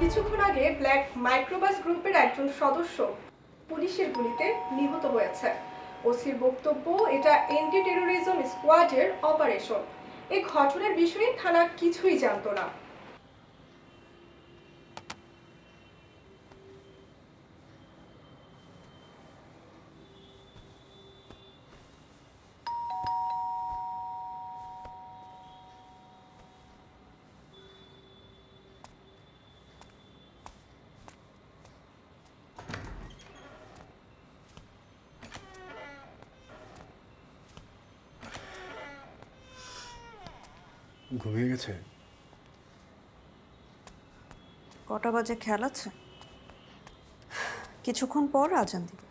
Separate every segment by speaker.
Speaker 1: কিছুক্ষণ আগে black microbus গ্রুপের একজন সদস্য পুলিশের গুলিতে নিহত হয়েছে। ওসির বক্তব্য, এটা এন্টি টেরোরিজম স্কোয়াডের অপারেশন। এই ঘটনার বিষয়ে থানা কিছুই জানতো না।
Speaker 2: ঘুমিয়ে গেছে?
Speaker 3: কটা বাজে খেয়াল আছে? কিছুক্ষণ পর আজান দিবে।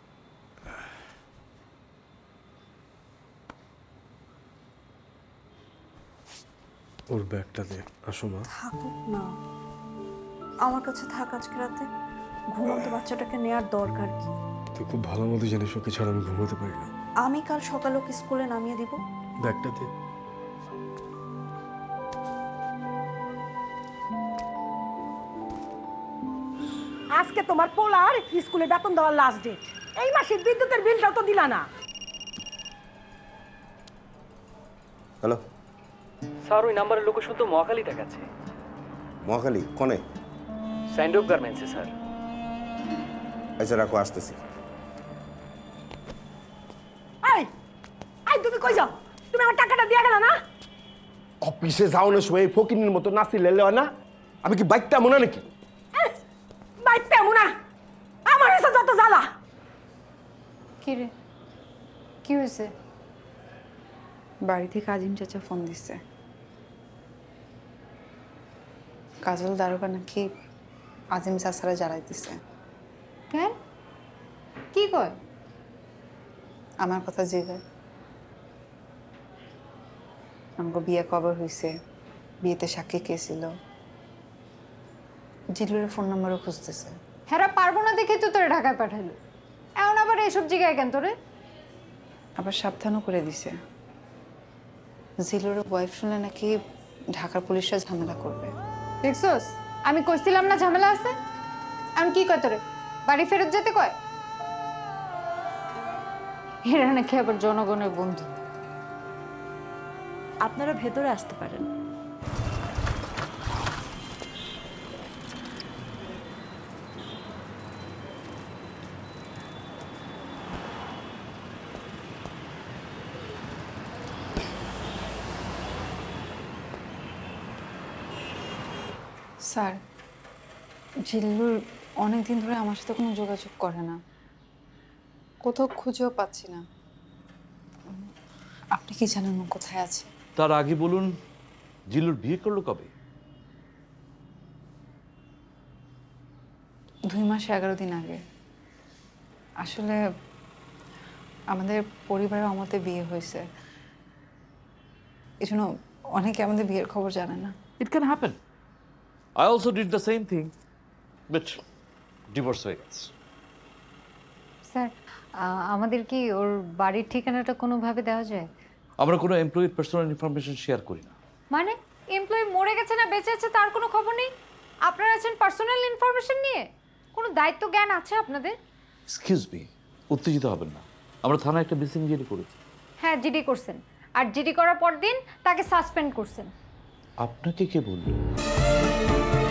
Speaker 2: ওর ব্যাগটা দে। আসো মা।
Speaker 3: থাকুক না, আমার কাছে থাক আজকে রাতে। ঘুমন্ত বাচ্চাটাকে নেয়ার দরকার কি?
Speaker 2: তুই খুব ভালো মতো জানিস ওকে ছাড়া আমি ঘুমোতে পারি না।
Speaker 3: আমি কাল সকালে ওকে স্কুলে নামিয়ে দিব।
Speaker 2: ব্যাগটা দে।
Speaker 4: আজকে তোমার পোলার স্কুলে বেতন দেওয়ার লাস্ট ডেট। এই মাসের বিদ্যুতের বিলটাও তো দিলা না।
Speaker 5: হ্যালো
Speaker 6: স্যার, ওই নাম্বারের লোকেশন তো মহাখালী দেখাচ্ছে।
Speaker 5: মহাখালী কনে?
Speaker 6: স্যান্ডোপ গার্মেন্টসে স্যার।
Speaker 5: আচ্ছা রাখো, আসতেছি।
Speaker 4: এই এই তুমি কই যাও? তুমি আমার টাকাটা দিয়ে গেলা না?
Speaker 5: অফিসে যাওয়ানোর সময় ফকিনের মতো নাচি লেলে হয় না? আমি কি বাইকটা মনে নাকি?
Speaker 4: বাইতে মুনা আমার এসে যত জ্বালা।
Speaker 7: কি রে, কি হয়েছে? বাড়ি থেকে আজিম চাচা ফোন দিচ্ছে। কাজল দারোগা নাকি আজিম চাচারা জ্বালাইতেছে। কেন? কি কয়? আমার কথা জিগায়। আমাকে বিয়ে কবে হয়েছে, বিয়েতে সাক্ষী কে ছিল, জিলুরের ফোন নাম্বারও খুঁজতেছে।
Speaker 8: হেরা পারবো না দেখে তো তোরে ঢাকায় পাঠাইলো। এখন আবার এসব জায়গায় কেন তোরে?
Speaker 7: আবার সাবধানও করে দিছে, জিলুরের ওয়াইফ শুনে নাকি ঢাকার পুলিশরা ঝামেলা করবে।
Speaker 8: দেখছোস, আমি কইছিলাম না ঝামেলা আছে। এখন কি কয় তোরে? বাড়ি ফেরত যেতে কয়? এরা নাকি আবার জনগণের বন্ধু।
Speaker 3: আপনারা ভেতরে আসতে পারেন।
Speaker 7: স্যার, জিল্লুর অনেকদিন ধরে আমার সাথে কোনো যোগাযোগ করে না, কোথাও খুঁজেও পাচ্ছি না। আপনি কি জানেন ও কোথায় আছে?
Speaker 9: তার আগে বলুন, জিল্লুর বিয়ে করলো কবে?
Speaker 7: 2 মাস 11 দিন আগে। আসলে আমাদের পরিবারের আমতে বিয়ে হয়েছে, এই জন্য অনেকে আমাদের বিয়ের খবর জানে না।
Speaker 9: It can happen. I also did the same thing, but divorce হয়ে গেছে।
Speaker 8: স্যার, আমাদের কি ওর বাড়ির ঠিকানাটা কোনোভাবে দেওয়া যায়?
Speaker 9: আমরা কোনো এমপ্লয়ির পার্সোনাল ইনফরমেশন শেয়ার করি না।
Speaker 8: মানে এমপ্লয়ি মরে গেছে না বেঁচে আছে তার কোনো খবর নেই? আপনারা আছেন পার্সোনাল ইনফরমেশন নিয়ে? কোনো দায়িত্ব জ্ঞান আছে আপনাদের?
Speaker 9: এক্সকিউজ মি, উত্তেজিত হবেন না। আমরা থানায় একটা মিসিং জিডি করেছি।
Speaker 8: হ্যাঁ, জিডি করছেন। আর জিডি করার পর দিন তাকে সাসপেন্ড করছেন।
Speaker 9: আপনাকে কে বলল?